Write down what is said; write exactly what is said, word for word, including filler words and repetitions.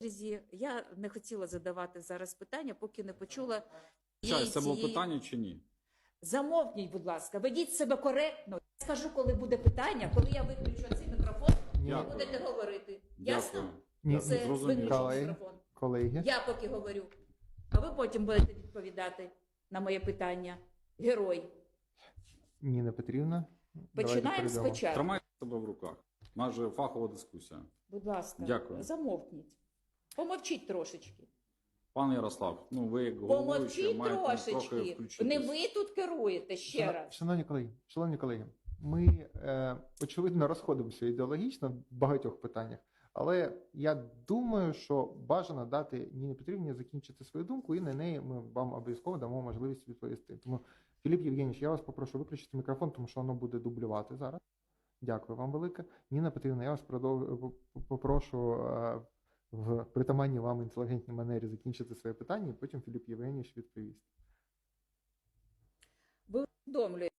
черзі. Я не хотіла задавати зараз питання, поки не почула Чай, це було цієї... питання чи ні? Замовкніть, будь ласка, ведіть себе коректно. Я скажу, коли буде питання, коли я виключу цей мікрофон, ви Дякую. будете говорити. Дякую. Ясно? Ні, Це зрозуміло. виключений Колеги. мікрофон. Колеги, Я поки говорю, а ви потім будете відповідати на моє питання. Герой. Ніна Петрівна. давайте Починаємо перейдемо. спочатку. Тримайте себе в руках. Майже фахова дискусія. Будь ласка, Дякую. замовкніть. Помовчіть трошечки. Пане Ярослав, ну ви як головуючий Помовчіть маєте трохи трошечки. включитись. Не ви тут керуєте ще Шано- раз. Шановні колеги, шановні колеги, ми е, очевидно розходимося ідеологічно в багатьох питаннях, але я думаю, що бажано дати Ніні Петрівні закінчити свою думку, і на неї ми вам обов'язково дамо можливість відповісти. Тому, Філіп Євгенійович, я вас попрошу виключити мікрофон, тому що воно буде дублювати зараз. Дякую вам велике. Ніна Петрівна, я вас продов... попрошу е, в притаманній вам інтелігентній манері закінчити своє питання, і потім Філіп Євгенійович відповість. Ви усвідомлюєте,